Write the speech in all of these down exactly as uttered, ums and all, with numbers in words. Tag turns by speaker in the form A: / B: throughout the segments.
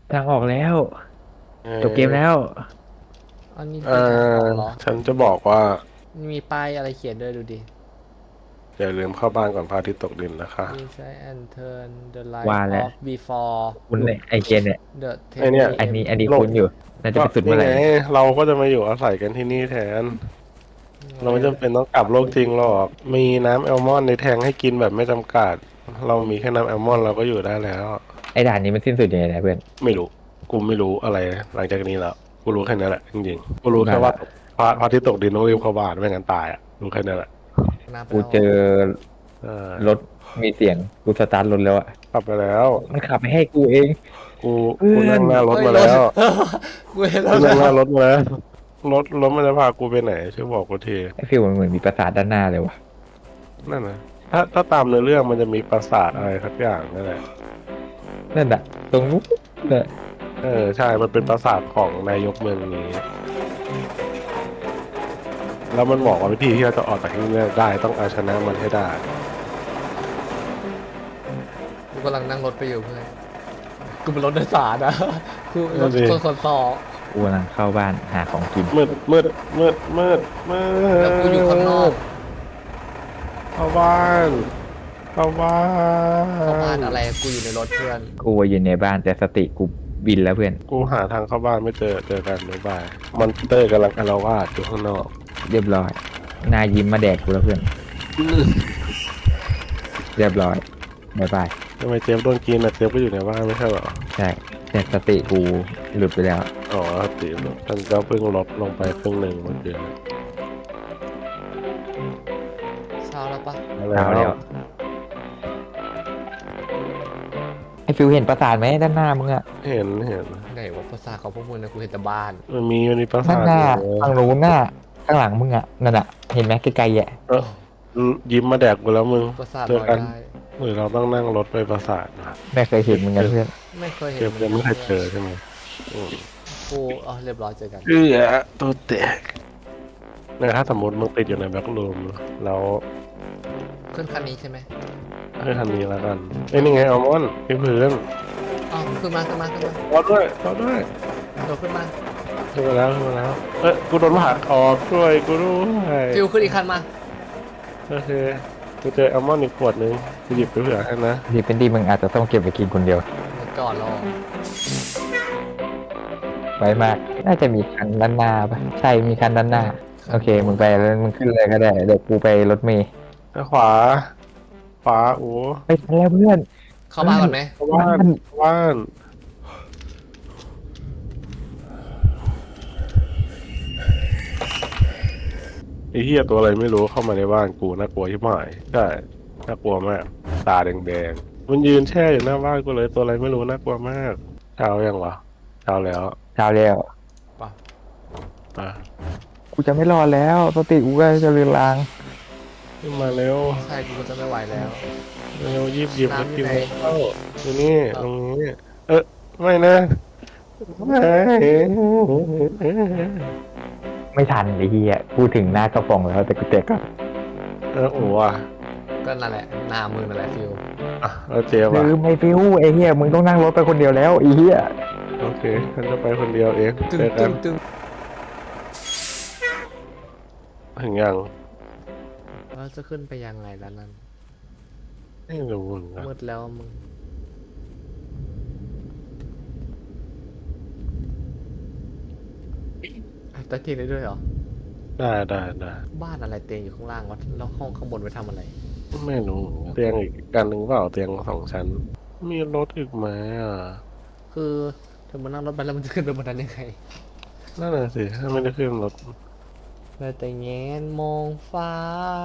A: ทางออกแล้ว
B: เอ
A: จบเกมแล้
B: อ
A: ว
C: อันนี้
B: เอ
C: คือทางออก
B: อ
C: เหรอ
B: ฉันจะบอกว่า
C: มีป้ายอะไรเขียนด้วยดูดิ
B: อย่าลืมเข้าบ้านก่อนพระอาทิตย์ตกดินนะคะ
C: Please try and turn the
A: ว่า
C: light
A: แล้ว
C: off before
A: คุณเนี่ยไอเกมเนี่ย
C: the
B: ไอเนี่ย
C: 10
A: อันนี้อันนี้
B: โลก
A: คุณอยู่น่าจะ
B: ก็
A: ไปสุดเมื่
B: นี่ไง
A: อไหร่เนี่ย
B: เราก็จะมาอยู่อาศัยกันที่นี่แทนเราไม่จำเป็นต้องกลับโลกจริงหรอกมีน้ำแอลมอนด์ในแทงให้กินแบบไม่จำกัดเรามีแค่น้ำแอลมอนด์เราก็อยู่ได้แล้ว
A: ไอด่านนี้มันสิ้นสุดยังไงนะเพื่อน
B: ไม่รู้กูไม่รู้อะไรหลังจากนี้แล้วกูรู้แค่นั้นแหละจริงๆกูรู้แค่ว่า
A: บ้าละ
B: พระพระอาทิตย์ตกดินต้องรีบเข้าบ้านไม่งั้นตายอ่ะรู้แค่นั้นแหละ
C: น้ำไป
A: กูเจ
C: แล้วเหรอ
A: อ
B: เออ
A: รถมีเสียงกูสตาร์ทรถแล้วอะ
B: กลับไปแล้ว
A: มันขับไปให้กูเอง
B: กู
A: เพื่
B: กู
A: อน
B: นั่งหน้ารถ
C: เฮ้ยรถ
B: มาแล้ว
C: กูเห็นร
B: กู
C: ถแล้ว
B: นั่งหน้ารถมาแล้วรถรถมันจะพากูไปไหนช่วยบอกกูที
A: ไอฟิลมันเหมือนมีปราสาทด้านหน้าเลยวะ
B: นั่นนะถ้าถ้าตามเนื้อเรื่องมันจะมีปราสาทอะไรสักอย่างนั่นแหละ
A: นั่นอะตรงนู้นเนี่ย
B: เออใช่มันเป็นปราสาทของนายกเมืองนี้แล้วมันบอกว่าวิธีที่เราจะออกจากที่นี่ได้ต้องเอาชนะมันให้ได้
C: กูกำลังนั่งรถไปอยู่เพื่อนกูเป็นรถโดยสารนะคือร
B: นั่
C: ถ
B: นดิ
C: คนขนต่อ
A: กูกำลังเข้าบ้านหาของกิน
B: มืดมืดมืดมืดมืด
C: แล้วกูอยู่ข้างนอก
B: เข้าบ้านเข้าบ้าน
C: เข้าบ้านอะไรกูอยู่ในรถเพื่อน
A: กูอยู่ในบ้านแต่สติกูบินแล้วเพื่อน
B: กูหาทางเข้าบ้านไม่เจอเจอกันบ๊ายบายมอนเตอร์กำลังอาละวาดอยู่ข้างนอก
A: เรียบร้อยนายยิ้มมาแดกกูแล้วเพื่อนเรียบร้อยบายบาย
B: ทำไมเจฟโดนกินอ่ะเจฟก็อยู่ในบ้านไม่ใช่เหรอ
A: ใช่แต่สติกูหลุดไปแล้ว
B: อ๋อติฉันก็เพิ่งลดลงไปครึ่งหนึ่งเมื่อกี้
C: เช้าแล้วปะ
A: เช้าแล้ว ไอฟิวเห็นปราสาทไหมด้านหน้ามึงอะ
B: เห็นเห็น
C: ไหนวะภาษาของพวกมึงนะกูเห็นแต่บ้าน
B: มันมีมันมีปรา
A: ด้า
B: สาน ท
A: หน้า
B: อยู่
A: ทางนู้นหน้าข้างหลังมึงอะนั่นอะเห็นไหมไกลๆอะ
B: เออยิ้มมาแดกกูแล้วมึง
C: ภาษา
B: เจ
C: ล
B: อ
C: อย
B: กัน
C: ได้
B: หรือเราต้องนั่งรถไปปราสาทนะ
A: ไม่เคยเห็นมึงกันเพื่อน
C: ไม่เคยเห็น
B: เจฟยังไม่เคยเจอใช่ไหมอืม
C: กูอ๋อเรียบร้อยเจอกัน
B: เอือตัวแตกเนี่ยถ้าสมมติมึงติดอยู่ในแบ็กรูมแล้ว
C: ขึ้นคันนี้ใช่ไหม
B: ให้ทันนี้แล้วกันเอ้ยนี่ไงอัลมอนด์ที่พื้น
C: อ๋อขึ้นมาขึ้นมาขึ้นมาร
B: อด้วยรอด้วย
C: โดดขึ้นมา
B: ขึ้นมาแล้วขึ้นมาแล้วเอ้ยกูโดนผ่าคอช่วยกูด้วย
C: ฟิวขึ้นอีกคันมา
B: โอเคกูเจออัลมอนด์อีกขวดนึงกูหยิบไปเผื่อให้นะ
A: ดีเป็นดีมึงอาจจะต้องเก็บไปกินคนเดียว
C: ก่อนรอ
A: ไว้มาก น่าจะมีคันด้านหน้าปะใช่มีคันด้านหน้า โอเคมึงไปแล้วมึงขึ้นเลยก็ได้เดี๋ยวกูไปรถเมย์
B: แล้วขวาขวาโอ้
A: ไปทันแล้วเพื่อน
C: เข้าบ้านก่อนไหม
B: เข้าบ้านเข้าบ้านไอ้เหี้ยตัวอะไรไม่รู้เข้ามาในบ้านกูน่ากลัวที่หมายใช่น่ากลัวมากตาแดงๆมันยืนแช่อยู่หน้าบ้านกูเลยตัวอะไรไม่รู้น่ากลัวมากเช้ายังวะเช้าแล้ว
A: เช้าแล้ว
C: ป่ะ
B: อ่ะ
A: กูจะไม่รอดแล้วสติกูก็จะเรือนราง
B: ขึ้นมาเร็ว
C: ใช่กูก็จะไม่ไหวแล้ว
B: เร็วยิบหยิบแล้ว
C: น้ำอยู่
B: กิน
C: ไหน
B: ข้าวอยู่นี่ตรงนี้เออไม่นะไม่
A: ไม่ทันไอ้เหี้ยพูดถึงหน้ากระป๋องแล้วแต่กูเจ็บก็
B: เออโอ้อะ
C: ก็นั่นแหละหน้ามือนั่นแหละฟิว
B: อ่ะแล้วเจ๊บอ่ะ
A: ลืมไอ้ฟิวไอ้เหี้ยมึงต้องนั่งรถไปคนเดียวแล้วไอ้เหี้ย
B: โอเคฉันจะไปคนเดียวเอง
C: ตึง
B: เจอกั
C: ตึ
B: น
C: งตึง
B: ถึงยัง
C: แล้วจะขึ้นไปยังไงแล้วนั่น
B: ไม่รู้เหมือนกัน
C: มืดแล้วมึงตะกี้ได้ด้วยเหรอ
B: ได้ได้ได้
C: บ้านอะไรเตียงอยู่ข้างล่างวะแล้วห้องข้างบนไปทำอะไร
B: ไม่รู้เหมือนกันเตียงอีกกันหนึ่งเปล่าเตียงสองชั้น มีรถอีกไหมอ่ะ
C: คือเธอมานั่งรถไปแล้วมันจะขึ้นไปบนนั้นยังไง
B: นั่นแหละสิถ้าไม่ได้ขึ้นรถ
C: แล้วแต่แงนมองฟ้า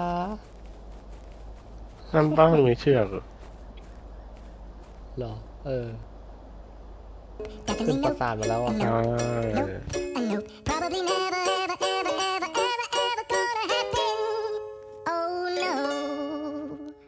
B: นั่นป้ามันมีเชือกเหรอ
C: เหรอ เออ ขึ้นปราสาทมาแล้วอ่ะ
B: ใช่
D: I know, probably never